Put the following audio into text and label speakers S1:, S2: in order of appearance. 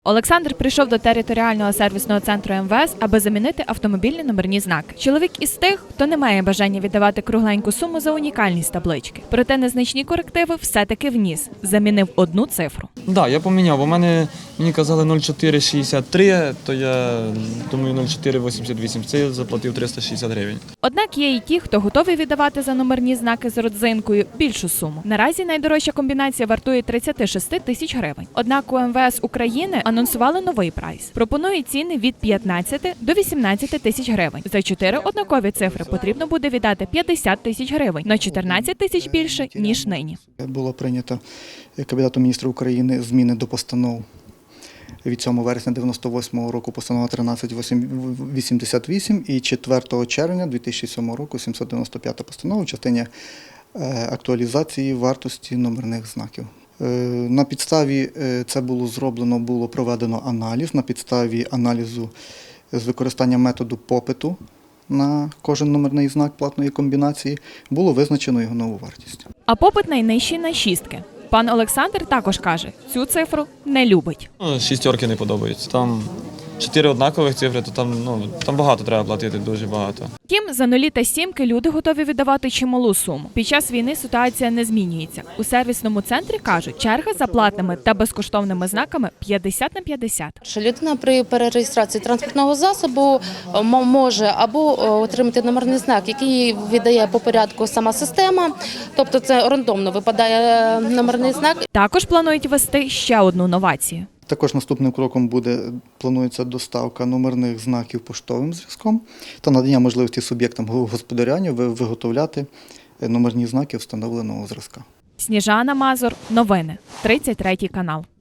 S1: Олександр прийшов до територіального сервісного центру МВС, аби замінити автомобільні номерні знаки. Чоловік із тих, хто не має бажання віддавати кругленьку суму за унікальність таблички. Проте незначні корективи все-таки вніс. Замінив одну цифру.
S2: Так, я поміняв, бо мені казали 0,463, то я думаю 0,488, це я заплатив 360 гривень.
S1: Однак є і ті, хто готовий віддавати за номерні знаки з родзинкою більшу суму. Наразі найдорожча комбінація вартує 36 тисяч гривень. Однак у МВС України анонсували новий прайс. Пропонують ціни від 15 до 18 тисяч гривень. За 4 однакові цифри потрібно буде віддати 50 тисяч гривень, на 14 тисяч більше, ніж нині.
S3: Було прийнято Кабінетом міністрів України зміни до постанов від 7 вересня 1998 року, постанова 1388 і 4 червня 2007 року 795 постанова в частині актуалізації вартості номерних знаків. На підставі це було проведено аналіз, на підставі аналізу з використанням методу попиту на кожен номерний знак платної комбінації було визначено його нову вартість.
S1: А попит найнижчий на шістки. Пан Олександр також каже, цю цифру не любить.
S2: Шістерки не подобаються. Там 4 однакових цифри, то там багато треба платити, дуже багато.
S1: Втім, за нулі та сімки люди готові віддавати чималу суму. Під час війни ситуація не змінюється. У сервісному центрі кажуть, черга за платними та безкоштовними знаками 50 на 50.
S4: Людина при перереєстрації транспортного засобу може або отримати номерний знак, який віддає по порядку сама система, тобто це рандомно випадає номерний знак.
S1: Також планують ввести ще одну новацію.
S3: Також наступним кроком планується доставка номерних знаків поштовим зв'язком та надання можливості суб'єктам господарювання виготовляти номерні знаки встановленого зразка.
S1: Сніжана Мазур, новини, 33 канал.